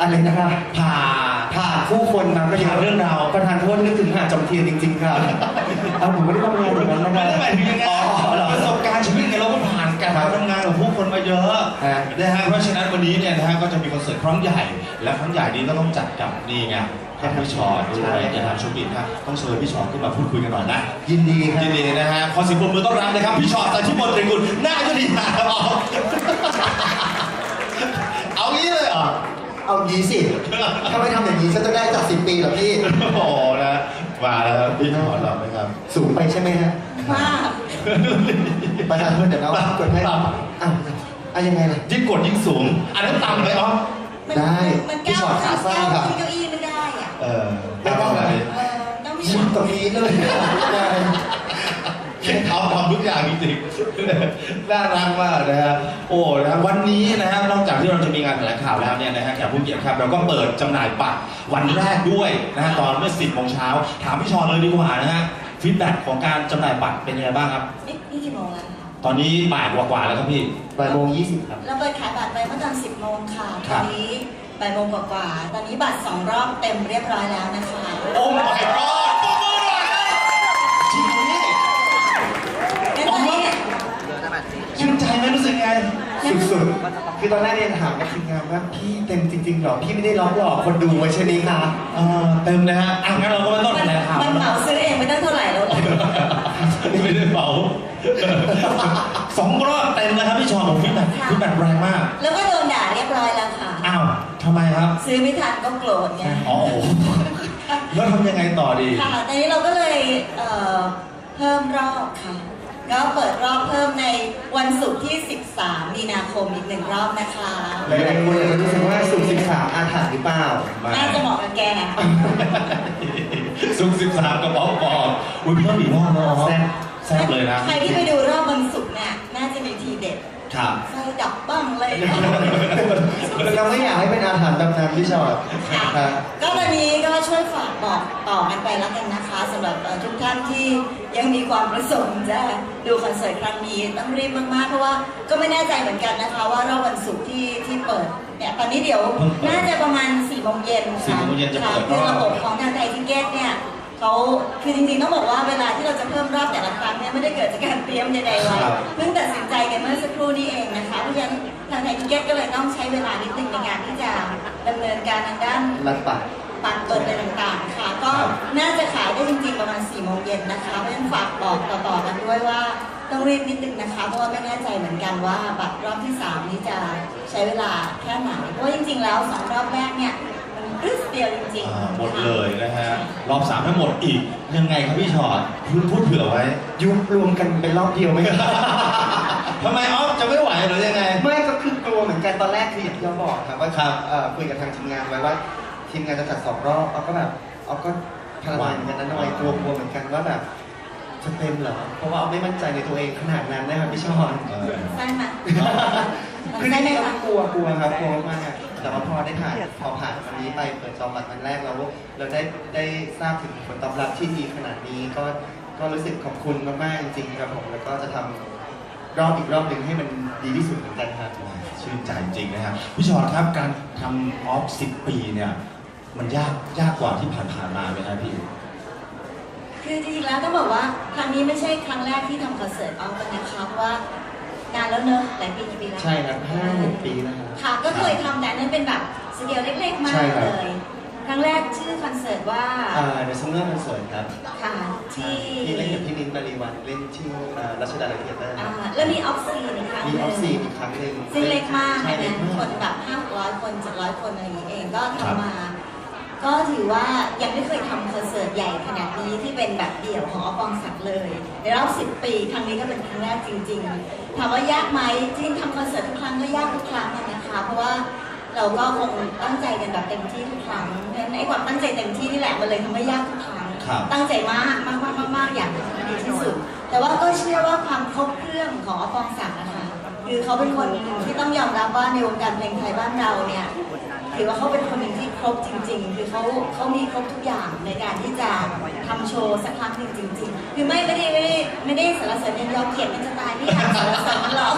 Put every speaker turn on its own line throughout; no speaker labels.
อะไรนะครับผ่าผู้คนมาก็เยอะ
เรื่องราว
ประธานโทษนึกถึงหาดจอมเทียนจริงๆครับเอาผมไม่ได้ทำงานอย่างนั้นนะค
ไม่
รับ
ได้หมายถึงอย่างนั้นประสบการณ์ชีวิตเนี่ยเราก็ผ่านการทำงานของผู้คนมาเยอะนะฮะเพราะฉะนั้นวันนี้เนี่ยนะฮะก็จะมีคอนเสิร์ตครั้งใหญ่และครั้งใหญ่นี้ก็ต้องจัดกับนี่ไงพี่ชอตด้วยนะครับชมบินครับต้องเชิญพี่ชอตขึ้นมาพูดคุยกันหน่อยนะ
ยินดีครับ
ยินดีนะฮะขอเสียงปรบมือต้อนรับเลยครับพี่ชอตแต่ที่บนตรีกุลหน้าก็ดีนะครับเอางี้เลยเหรอ
เอางี้สิถ้าไม่ทำอย่างนี้ฉันจะได้จาก10 ปีเหรอพี่
โอ้โหนะมาแล้วครับพี่ชอตเราไหมครับ
สูงไปใช่ไหมฮะ
มาก
ประธานโทษเดี๋ยวเรากดให้อ้าวยังไงล่ะ
ยิ่งกดยิ่งสูงอันนั้นต่ำเลยอ๋อ
ได้
มัน
พี่
ก้าว
ชอตขาสั้นครับ
ขึ้นเก้าอี้ไม่ได้อ่ะ
ไม่ต้องอะไร
ต้องมี
ยืนตรงนี้เลยได้
เขาทำทุกอย่างจริงๆน่ารักมากนะฮะโอ้นะวันนี้นะฮะนอกจากที่เราจะมีงานแถลงข่าวแล้วเนี่ยนะฮะแขกผู้เกียรติครับเราก็เปิดจำหน่ายบัตรวันแรกด้วยนะฮะตอนเมื่อ 10 โมงเช้าถามพี่ชอนเลยดีกว่านะฮะฟีดแบ็กของการจำหน่ายบัตรเป็นยังไงบ้างครับ
นี่กี่โมงแล้วคะ
ตอนนี้บ่ายกว่าๆแล้วครับพี่
บ่ายโมง 20ครับ
เราเปิดขายบัตรไปเมื่อตอน10 โมงค่ะ
ค
ต
รั
อบ นนี้บ่ายโมงกว่าๆตอนนี้บัตร2 รอบเต็มเรียบร้อยแล้วนะคะ
โอ้ my god ปรบมือหน่อยจริงนี่
งั้นตอนนี้
ชื่นใจไหมรู้สึกไง
สุดๆ คือตอนแรกเนี่ยถามกับทีมงานว่าพี่เต็มจริงๆหรอ พี่ไม่ได้ล้อหลอกคนดูไว้ใช่ไหมคะ
เต็มนะฮะงั้นเราก็ไม่ต้องแถลงข่าว
มันเหมาซื้อเองไม่ตั้งเท่าไหร่แล้ว
ไม่ได้เป่า2 รอบเต็มนะครับพี่ชอนผมฟีดแบ็กแรงมาก
แล้วก็โดนด่าเรียบร้อยแล้วค่ะ
อ้าวทำไมครับ
ซื้อไม่ทันก็โกรธไง
อ๋อโอ้โหแล้วทำยังไงต่อดี
ค่ะตอนนี้เราก็เลยเพิ่มรอบค่ะ ก็เปิดรอบเพิ่มในวันศุกร์ที่ 13 มีนาคมอีก1 รอบนะคะ
หลายๆคนอาจจะรู้สึกว่าสุข13อาถรรพ์หรือเปล่า
น่าจะเหมาะกับแกนะ
ซุก13กระเป๋าปอกอุ้ยเพิ่มอีกรอบแล้วแซ่บเลยนะ
ใครที่ไปดูรอบวันศุกร์เนี่ยน่าจะมีทีเด็ด
ครับ
ไฟดับบ้างเลย
เราไม่อยากให้เป็นอาถรรพ์ตำนานพี่ชอต
ค่ะ
ครับ
ก็วันนี้ก็ช่วยฝากบอกต่อกันไปแล้วกันนะคะสำหรับทุกท่านที่ยังมีความประสงค์จะดูคอนเสิร์ตครั้งนี้ต้องรีบมากๆเพราะว่าก็ไม่แน่ใจเหมือนกันนะคะว่ารอบวันศุกร์ที่เปิดเนี่ยตอนนี้เดี๋ยวน่าจะประมาณ4 โมงเย็น
4 โมงเย็นจะ
ค่ะ
เปิดร
คือ
อบ
ระบบของทางไทยทิเก็ตเนี่ยเขาคือจริงๆต้องบอกว่าเวลาที่เราจะเพิ่มรอบแต่ละครั้งเนี่ยไม่ได้เกิดจากการเตรียมใดๆไว้เพิ่งตัดสินใจกันเมื่อสักครู่นี้เองนะคะเพราะฉะนั้นทางไทยทิเก็ตก็เลยต้องใช้เวลานิดนึงในการที่จะดำเนินการทางด้าน
รัดปัด
ปัดเปิดอะไรต่างๆค่ะ ก็น่าจะขายได้จริงๆประมาณ4 โมงเย็นนะคะเพราะฉะนั้นฝากบอกต่อๆกันด้วยว่าต้องรีบนิดนึงนะคะเพราะว่าไม่แน่ใจเหมือนกันว่าบัตรรอบที่ 3 นี้จะใช้เวลาแค่ไหนเพราะว่าจริงๆแล้ว2 รอบแรกเนี่ยมันครึ่งเดียวจริงๆ
หมดเลยนะฮะรอบ3ทั้งหมดอีกยังไงครับพี่ชอตพูดเผื่อไว้
ยุบรวมกันเป็นรอบเดียวไหมครับ
ทำไมออฟจะไม่ไหวหรือยังไง
ไม่ก็คือกลัวเหมือนกันตอนแรกคืออย่างที่เราบอกครับว่า
ครับ
คุยกับทางทีมงานไว้ว่าทีมงานจะจัด2 รอบเอาก็แบบเอาก็พลังเหมือนกันนะหน่อยกลัวเหมือนกันว่าแบบจะเต็มเหรอเพราะว่าเอาไม่มั่นใจในตัวเองขนาดนั้นนะครับพี่ชอน
ใช่ไหม
คือ
ใช่
จ
ไหม
ริงๆ
คะ
ก็กลัวครับกลัวมากแต่ว่าพอได้ผ่านวันนี้ไปเปิดจองบัตรวันแรกเราได้ทราบถึงผลตอบรับที่ดีขนาดนี้ก็รู้สึกขอบคุณมากๆจริงๆครับผมแล้วก็จะทำรอบอีกรอบหนึ่งให้มันดีที่สุดเหมือนกันครับ
ชื่นใจจริงนะครับพี่ชอตครับการทำออฟ10 ปีเนี่ยมันยากกว่าที่ผ่านมาไหมครับพี่
คือจริงๆแล้วต้องบอกว่าครั้งนี้ไม่ใช่ครั้งแรกที่ทำคอนเสิร์ตออฟกันนะคะเพราะว่านานแล้วเนอะหลายปีกี่ปีแล้ว
ใช่ครับ5-6 ปีแล้วครับ
ค่ะก็เคยทำแต่อันนั้นเป็นแบบสเกลเล็กๆ มา
ใช่
ก
ครั
เล
บ
ย ครั้งแรกชื่อคอนเสิร์ตว่า
เดอะซัมเมอร์คอนเสิร์ตครับ
ค่ะที่
ที่เล่นกับพี่นิ้นบารีวันเล่นที่รัชดาลัยเทียเตอร์
แล้วมีออฟซีอีกครั้งห
มี
นึ่
ออฟซีอีกครั้งหนึ่ง
ซึ่งเล็กมาก
ใช่
อัน
เล็
นั้
ก
น
มาก
คนแบบ500 คน700 คนอะไรอย่างนี้เองก็ทำมา ก็ถือว่ายังไม่เคยทำคอนเสิร์ตใหญ่ขนาดนี้ที่เป็นแบบเดี่ยวของอปองศักดิ์เลยในรอบ10 ปีครั้งนี้ก็เป็นครั้งแรกจริงๆถามว่ายากไหมจริงๆทำคอนเสิร์ตทุกครั้งก็ยากทุกครั้งนะคะเพราะว่าเราก็คงตั้งใจกันแบบเต็มที่ทุกครั้งเพราะฉะนั้นไอ้ความตั้งใจเต็มที่นี่แหละมันเลยทำให้ยากทุกครั้ง
ครับ
ตั้งใจมากอยากทำให้ดีที่สุด แต่ว่าก็เชื่อว่าความครบเครื่องของอปองศักดิ์นะคะคือเขาเป็นคนหนึ่งที่ต้องยอมรับว่าในวงการเพลงไทยบ้านเราเนี่ยถือว่าเขาเป็นคนหนึ่งที่ครบจริงๆ คือเขามีครบทุกอย่างในการที่จะทำโชว์สักครั้งหนึ่งจริงๆ คือไม่ได้สรรเสริญยันยอเกียรติมันจะตายไม่อยากสรรเสริญมันหรอก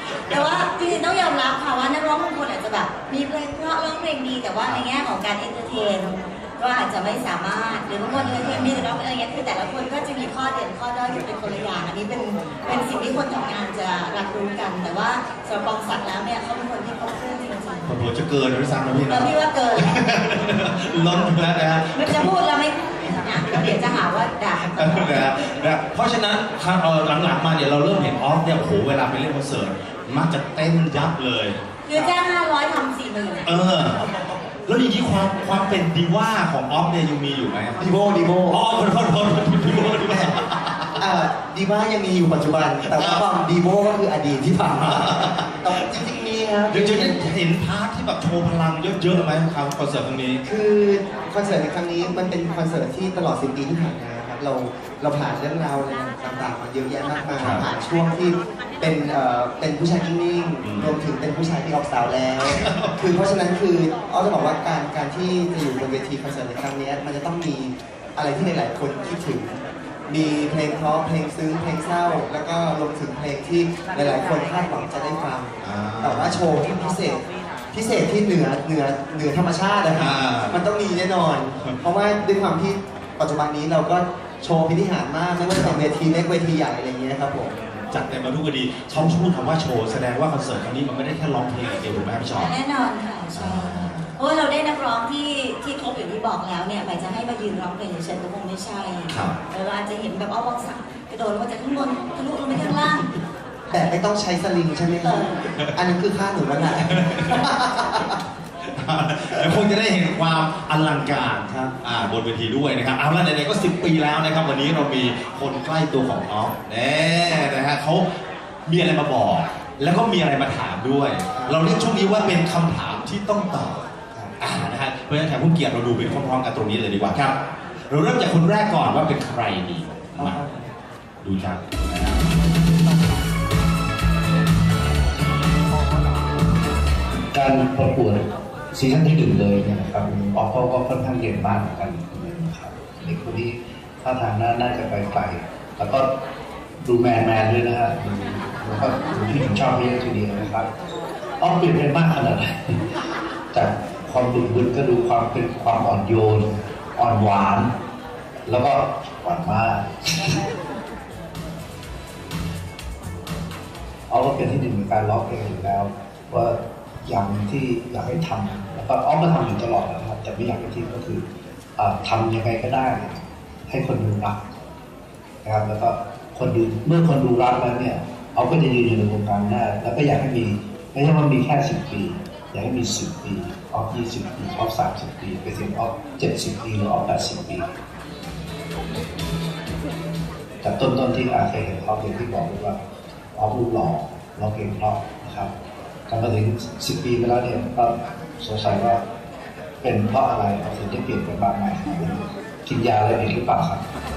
แต่ว่าจริงๆต้องยอมรับค่ะว่านักร้องบางคนอาจจะแบบมีเพลงเพราะร้องเพลงดีแต่ว่าในแง่ของการเอนเตอร์เทนก็อาจจะไม่สามารถหรือบางคนเอนเตอร์เทนมีแต่ร้องอะไรเงี้ยคือแต่ละคนก็จะมีข้อเด่นข้อด้อยที่เป็นคนละอย่างอันนี้เป็นสิ่งที่คนทำงานจะรับรู้กัน แต่ว่าสำหรับปองศักดิ์แล้วเนี่ยเขาเป็นคนที่ครบเครื่องจริงๆ
ผมจะเกินด้วยซ้ำนะพี่
แล้
นะ
วพี่ว่าเกิน
ล้นไปแล้วนะฮะ
มันจะพูดแล้วไม่นะเดี๋ยวจะหาว่าด่า
นะเพราะฉะนั้นหลังๆมาเนี่ยเราเริ่มเห็นออฟเนี่ยโอ้โหเวลาไปเล่นคอนเสิร์ตมักจะเต้นยับเลย
คือจ้าง500ทำ40,000
แล้วอย่างนี้ความเป็นดีว่าของออฟเนี่ยยังมีอยู่ไหม
ดีโบ
อ๋อขอโทษดีว่า
ดีว่ายังมีอยู่ปัจจุบัน แต่ว่าความดีโบก็คืออดีตที่ผ่านมาแต่จริงๆมีครับ
เดี๋ยวจะเห็นพาร์ทที่แบบโชว์พลังเยอะๆไหมครับคอนเสิร์ตครั้งนี้
คือคอนเสิร์ตในครั้งนี้มันเป็นคอนเสิร์ตที่ตลอด10 ปีที่ผ่านมาครับเราผ่านเรื่องราวอะไรต่างๆมาเยอะแยะมากมาย
ครับ
ผ่านช่วงที่เป็นผู้ชายนิ่ง
อืม
ๆรวมถึงเป็นผู้ชายที่ออกสาวแล้ว คือเพราะฉะนั้นคืออ้อจะบอกว่าการที่จะอยู่บนเวทีคอนเสิร์ตในครั้งนี้มันจะต้องมีอะไรที่หลายๆคนคิดถึง มีเพลงเพราะเพลงซึ้งเพลงเศร้า แล้วก็รวมถึงเพลงที่หลายๆคนคาดหวังจะได้ฟัง แต่ว่าโชว์ที่พิเศษที่เหนือธรรมชาตินะครับ มันต้องมีแน่นอน เพราะว่าด้วยความที่ปัจจุบันนี้เราก็โชว์พิธีหารมากไม่ว่าจะเป็นเวทีเล็กเวทีใหญ่อะไรอย่างเงี้ยครับผม
จัดเต็มมาทุกคดีเขาพูดคำว่าโชว์แสดงว่าคอนเสิร์ตครั้งนี้มันไม่ได้แค่ร้องเพลงอย่างเดียวถูกไหมครับพี่ชอ
แน่นอนค่ะใช่เพราะว่าเราได้นักร้องที่ครบอย่างที่บอกแล้วเนี่ยหมายจะให้มายืนร้องเพลงเฉยๆก็คงไม่ใช่
ครับ
เราอาจจะเห็นแบบเอาบองสักกระโดดลงมาจากข้างบนทะลุลงไปข้างล่าง
แต่ไม่ต้องใช้สลิงใช่ไหมครับ อันนี้คือค่าหนูแล้วแหละ
แล้วคงจะได้เห็นความอลังการ
ครับ
บนเวทีด้วยนะครับเอาละไหนๆก็10 ปีแล้วนะครับวันนี้เรามีคนใกล้ตัวของออฟแน่นะฮะเขามีอะไรมาบอก แล้วก็มีอะไรมาถามด้วย เราเรียกช่วงนี้ว่าเป็นคำถามที่ต้องตอบนะฮะเพราะฉะนั้นแขกผู้เกียรติเราดูไปพร้อมๆกันตรงนี้เลยดีกว่าครับ เราเริ่มจากคนแรกก่อนว่าเป็นใครดีมาดูครับนะฮะ
การประกวดซีซั่นที่ 1เลยเนี่ยนะครับออฟก็ค่อนข้างเย็นมากเหมือนกันนะครับเด็กคนนี้ท่าทางน่าจะไปไกลแล้วก็ดูแมนด้วยนะฮะแล้วก็ดูที่ผมชอบเยอะทีเดียวนะครับออฟเปลี่ยนไปมากขนาดไหนจากความบึกบึนก็ดูความเป็นความอ่อนโยนอ่อนหวาน แล้วก็หวานมากออฟก็เป็นที่หนึ่งในการร้องเพลงอยู่แล้วว่าอย่างที่อยากให้ทำแล้วก็อ้อมก็ทำอยู่ตลอดนะครับแต่ไม่อยากให้ทิ้งก็คือทำยังไงก็ได้ ให้คนดูรักนะครับแล้วก็คนดูเมื่อคนดูรักแล้วเนี่ยเอาก็จะยืนอยู่ในวงการได้แล้วก็อยากให้มีไม่ใช่ว่ามีแค่10 ปีอยากให้มี10 ปีออฟ20 ปีออฟ30 ปีไปถึงออฟ70 ปีหรือออฟ80 ปีจากต้นที่เคยเห็นเขาเห็นที่บอกว่าออฟรูปหล่อร้องเพลงเพราะนะครับการมาถึง10 ปีไปแล้วเนี่ยก็สงสัยว่าเป็นเพราะอะไรเราถึงได้เปลี่ยนไปมากมายกินยาอะไรผิดหรือเปล่าครับ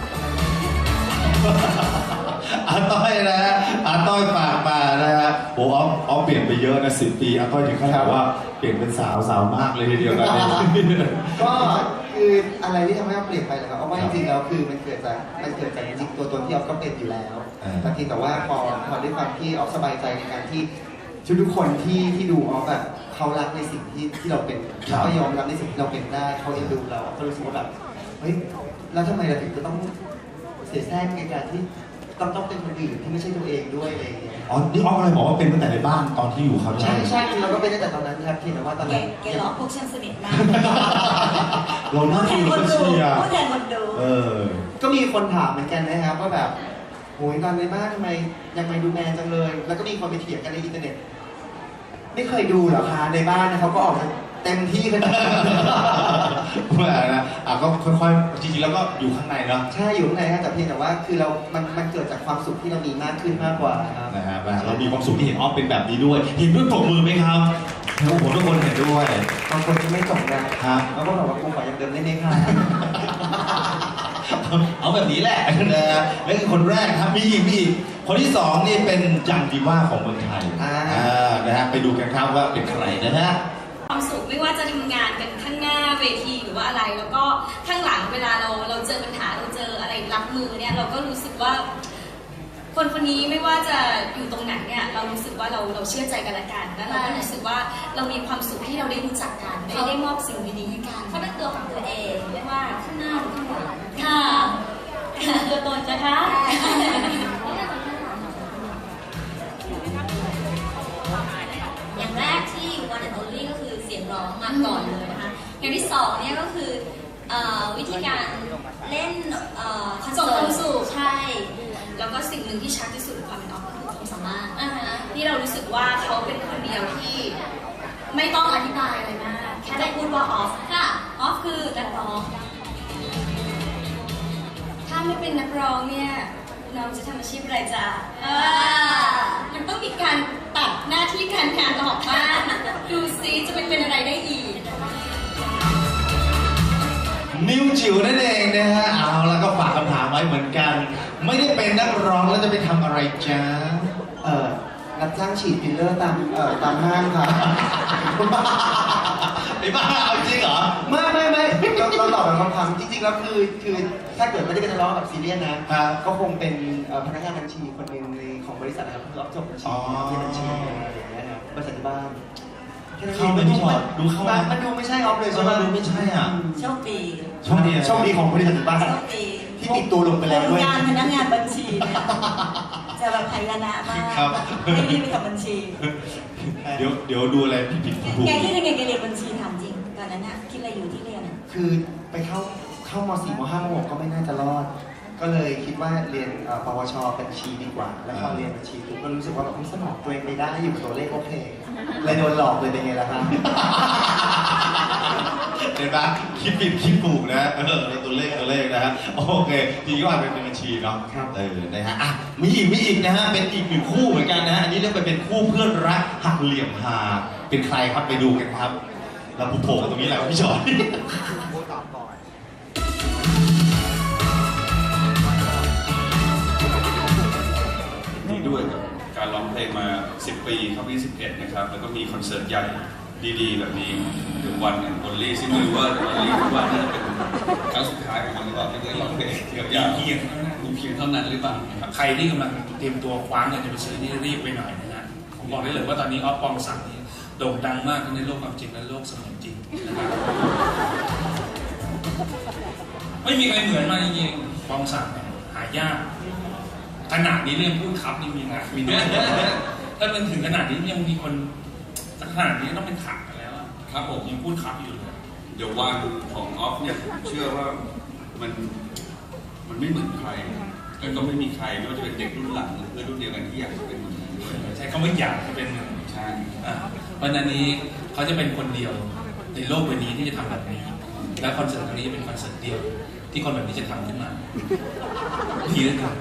อาต้อยนะฮะอาต้อยฝากมานะฮะโอ้ออฟเปลี่ยนไปเยอะนะ10 ปีอาต้อยถึงขนาดว่าเปลี่ยนเป็นสาวมากเลยทีเดียวนะเนี่ย
ก็คืออะไรที่ทำให้เราเปลี่ยนไปนะครับเพราะว่าจริงๆแล้วคือมันเกิดจากจริงๆตัวตนที่ออฟก็เป็นอยู่แล้วแต่ทีแต่ว่าพอด้วยความที่ออฟสบายใจในการที่ทุกคนที่ดูออฟแบบเขารักในสิ่งที่เราเป็นเขาก็ยอมรับในสิ่งที่เราเป็นได้เขาเอ็นดูเราก็รู้สึกว่าแบบเฮ้ยแล้วทำไมเราถึงจะต้องเสียแทรกในการที่ต้องเป็นคนอื่นที่ไม่ใช่ตัวเองด้วยอะไรอย่างเงี้ย
อ๋อนี่ออฟอะไรบอกว่าเป็นตั้งแต่ในบ้านตอนที่อยู่เขา
ใช่คือเราก็เป็นตั้งแต่ตอนนั้นครับที่แต่ว่าตอนนั้น
แกร้องพวกฉันสนิทมาก
เรานั่ง
แท
ดู
นคน
ก็
ดู
เชียร์
พูดแทนคนดู
ก็มีคนถามเหมือนกันนะครับว่าแบบโหยตอนในบ้านทำไมยังไม่ดูแมนจังเลย แล้วก็มีคนไปเถียงกันในอินเทอร์เน็ต ไม่เคยดูเหรอคะในบ้านนะเขาก็ออกมาเต็มที่ขนาดนั้น
แหมนะก็ค่อยๆจริงๆแล้วก็อยู่ข้างในเนาะ
ใช่อยู่ข้างในครับแต่เพียงแต่ว่าคือมันเกิดจากความสุขที่เรามีมากขึ้นมากกว่าครับ
นะฮะเรามีความสุขที่เห็นออฟเป็นแบบนี้ด้วยเห็นด้วยปรบมือไหมครับโอ้โหทุกคนเห็นด้วย
บางคนที่ไม่จบนะครับ แล้วก็บอกว่ากูขอยังเดิมได้ไหมคะ
เอาแบบนี้แหละนะฮะนั่นคือคนแรกครับมีอีกคนที่สองนี่เป็นจังดีว่าของเมืองไทยนะฮะไปดูกันครับว่าเป็นใครนะฮะ
ความสุขไม่ว่าจะทำงานกันข้างหน้าเวทีหรือว่าอะไร แล้วก็ข้างหลังเวลาเราเจอปัญหาเราเจออะไรรับมือเนี่ยเราก็รู้สึกว่าคนคนนี้ไม่ว่าจะอยู่ตรงไหนเนี่ยเรารู้สึกว่าเราเชื่อใจกันและกันแล้วเราก็รู้สึกว่าเรามีความสุขที่เราได้รู้จักกันได้มอบสิ่งดีๆให้กัน
เขาเป็นตัวของตัวเองเรียกว่าข้างหน้าหรือข้างหลัง
ค่ะตัวตนนะคะ
อย่างแรกที่ one and only ก็คือเสียงร้องมาก่อนเลยนะคะอย่างที่สองเนี่ยก็คือวิธีการเล่นคอน
ส่ง
เสิ
ควา
ร์
ม
ต
สุข
ใช่
แล้วก็สิ่งหนึ่งที่ชัดที่สุดในความเป็นออฟก็คือ
ความสามารถ
ที่เรารู้สึกว่าเขาเป็นคนเดียวที่ไม่ต้องอธิบายอะไรมากแค่ได้พูดว่าออฟค่ะออฟคือนักร้อง ถ้าไม่เป็นนักร้องเนี่ยน้องจะทำอาชีพอะไรจ๊ะมันต้องมีการตัดหน้าที่การงานออกบ้างดูซิจะเป็นอะไรได้อีก
นิวจิ๋วนั่นเองนะฮะเอาแล้วก็ฝากคำถามไว้เหมือนกัน ไม่ได้เป็นนักร้องแล้วจะไปทำอะไรจ๊ะ
รับจ้างฉีดฟิลเลอร์ตามห้างค่ะ
ไอ้บ้าเอาจริงเหรอ
ไม่เราตอบแบบคำถามจริงๆแล้วคือถ้าเกิดไม่ได้เป็นนักร้องแบบซีเรียสนะก็คงเป็นพนักงานบัญชีคนหนึ่งในของบริษัทนะครับรับจบบัญชีที่บัญชีอะไรอย่างเงี้ยนะบริษัทที่บ้าน
เข้าไปไม่ชอบดูเข้ามา
มันดูไม่ใช่ออฟเลย
ใช่
ใช่
ไห
ไห
ม
ม
ดูไม่ใช่อ่ะ
โชคดี
โชคดี
โชคดีของบริษัทที่บ้าน
โชคดี
ที่ติดตัวลงไปแล้วด้วย
งานพนักงานบัญชีเนี่ยจะแบบไพเราะมาก
ครับ
ไม่ได้ไปทำบัญชี
เดี๋ยวดูอะไรผิดๆถูก
แกคิดยังไงแกเรียนบัญชีถามจริงตอนนั้นน่ะคิดอะไรอยู่ที่เรียนอะ
คือไปเข้าม4ม5ม6ก็ไม่น่าจะรอด ก็เลยคิดว่าเรียนปวชบัญชีดีกว่า แล้วพอเรียนบัญชีปุ๊บก็รู้สึกว่าแบบสมองตัวเองไปได้อยู่กับตัวเลขโอเคเลยโดนหลอกเลยเป็นไงล่ะครับ
เห็นปะคิดผิดคิดถูกนะในตัวเลขนะฮะโอเคจริงๆก็อาจเป็นบัญชีเนาะ
ครับ
นะฮะอ่ะมีอีกนะฮะเป็นอีกหนึ่งคู่เหมือนกันนะฮะอันนี้เรียกไปเป็นคู่เพื่อนรักหักเหลี่ยมหาเป็นใครครับไปดูกันครับเราโผล่กันตรงนี้แหละครับพี่ชอย
ดีด้วยกับการร้องเพลงมา 10 ปีเข้าปี11 นะครับ แล้วก็มีคอนเสิร์ตใหญ่ดีๆ แบบนี้ถึงวันอย่างบอลลี่ซึ่งไม่รู้ว่าบอลลี่คิดว่าน่าจะเป็นครั้งสุดท้ายของมันหรือเปล่าที่ได้ร้องเพลงเกี่ยวกับเพียงเท่านั้นหรือเปล่านะครับ
ใครที่กำลังเตรียมตัวคว้าเงินจะไปซื้อนี่รีบไปหน่อยนะฮะผมบอกได้เลยว่าตอนนี้ออฟปองศักดิ์นี่โด่งดังมากทั้งในโลกความจริงและโลกเสมือนจริงนะครับไม่มีใครเหมือนมาจริงๆปองศักดิ์เนี่ยหายากขนาดนี้เรื่องพูดครับนี่มีนะมีด้วยถ้ามันถึงขนาดนี้ยังมีคนขนาดนี้ต้องเป็นขักกันแล้วอะ
ครับผม
ยังพูดครับอยู่เลย
เดี๋ยววันของออฟเนี่ยผมเชื่อว่ามันไม่เหมือนใครแล้วก็ไม่มีใครไม่ว่าจะเป็นเด็กรุ่นหลังหรือเพื่อนรุ่นเดียวกันที่อยากจะเป็นเหมือนกันด้วย
ใช้คำว่าอยากจะเป็นหนึ่ง
ใช่
เพราะฉะนั้นนี้เขาจะเป็นคนเดียวในโลกใบนี้ที่จะทำแบบนี้ และคอนเสิร์ตครั้งนี้จะเป็นคอนเสิร์ตเดียว ที่คนแบบนี้จะทำขึ้นมาดีเหลือเกิน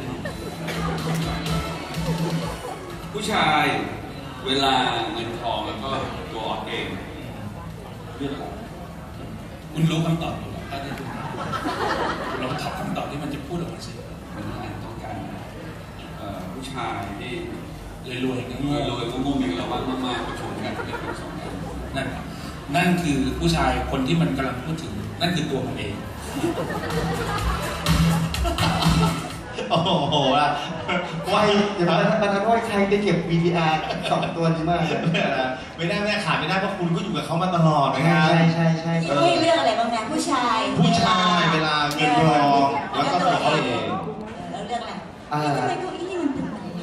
ผู้ชายเวลาเงินทองแล้วก็ตัวออฟเองเรื่องอะไร
คุณรู้คำตอบอยู่แล้วถ้าได้ดูคุณลองตอบคำตอบที่มันจะพูดออกมาสิ
มันต้องการผู้ชายที่
รวยๆงั้น
รวยๆงงๆมีเราบ้างมากๆประชุมกันเรียกเป็นสองคน
นั่นคือผู้ชายคนที่มันกำลังพูดถึง นั่นคือตัวมันเอง
โอ้โหว่า
ไวเดี๋ยวมันนั้นว่าใครไปเก็บ VTR 2 ตัวนี้มาเลย
ไม่ได้ขาดไม่ได้เพราะคุณก็อยู่กับเขามาตลอดนะค
ใช่
รับ
ใช่
ที่ให้เลือกอะไรบ้างนะผู้ชาย
ผู้ชายเวลาเงินทองแล้วก็ตัวเขาเอง
แล้วเลือกอะไร
อ่า
ทำไมเก้าอี้มันเป็นแบบนี้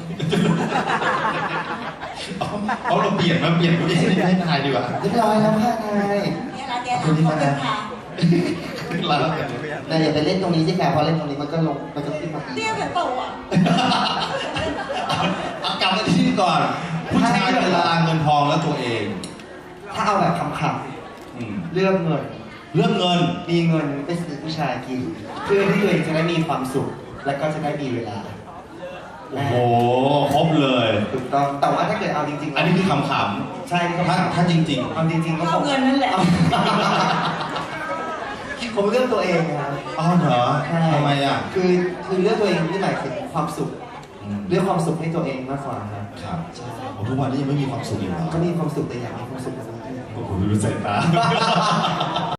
เขาเราเปลี่ยนผู้ชายให้ทายดีกว่า
เรียบร้อยแล้วค่ะนาย
เนี่ยร้านเนี่ยร้านขอบคุณค่ะ
เราแล้วกัน
แต่อย่าไปเล่นตรงนี้สิค่ะเพราะเล่นตรงนี้มันก็ขึ้นมาอีก
เตี้ยแบบเปล่าอ่ะ
เอากลับมาที่นี่ก่อน ผู้ชายเวลาเงินทองแล้วตัวเอง
ถ้าเอาแบบคำ
อืม
ๆเลือกเงิน
เรื่องเงิน
มีเงินไปซื้อผู้ชายกินเพื่อที่ตัวเองจะได้มีความสุข และก็จะได้มีเวลา
โอ้โหครบเลย
ถูกต้องแต่ว่าถ้าเกิดเอาจริงๆ
อันนี้คือขำๆ
ใช่ที่เขา
ถ้าจริง
เอาจริงๆก็
เอาเงินนั่นแหละ
ผมเลือกตัวเองนะครับ
ๆอ๋อเหรอ
ใช่
ทำไมอ่ะ
คือเลือกตัวเองที่หมายถึงความสุข
อืม
เลือกความสุขให้ตัวเองมากกว่าครับ
ครับโอ้ทุกวันนี้ยังไม่มีความสุขอยู่เหรอ
ก็มีความสุขแต่อยากมีความสุขแบบนี้
โอ้โหดูสายตา